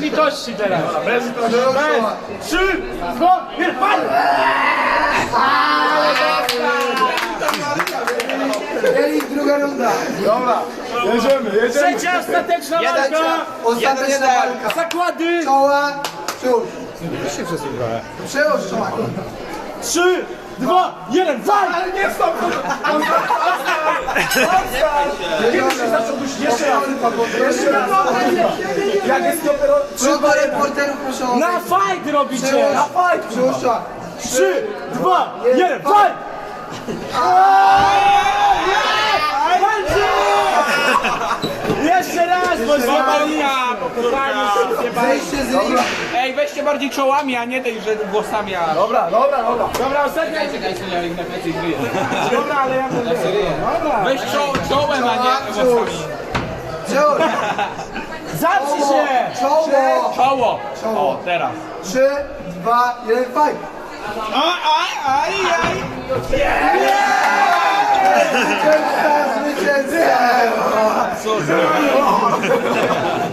litości teraz. Bez litości. Bez. 3, 2, 1, fajnie! Kielich, druga runda. Dobra, jedziemy. Trzecia, ostateczna walka. Ostateczna walka. Zakłady. Czoła, przód. się przesuwałem. Przełóż czoła. 3, 2, 1, walka! Ale nie stop! Kiedyś się zacząłbyś jeszcze raz. Jeszcze raz. Jak jest dopiero... Proszę reporterów, proszę o... Na fight robicie! Na fight! Przełóż czoła. 3, 2, 1, fight! Jeszcze raz, bo złapali! Zejście z ringu. Ej, weźcie bardziej czołami, a nie tej, że włosami. Dobra. Dobra, ostatnia. Czekaj, ja ich na plecy zryję. Dobra, ale ja będę. Dobra. Weź czołem, a nie włosami. Przełóż. Zaprzyj się! Czoło. Czoło. Czoło. O, teraz. 3, 2, 1, fight. Aj.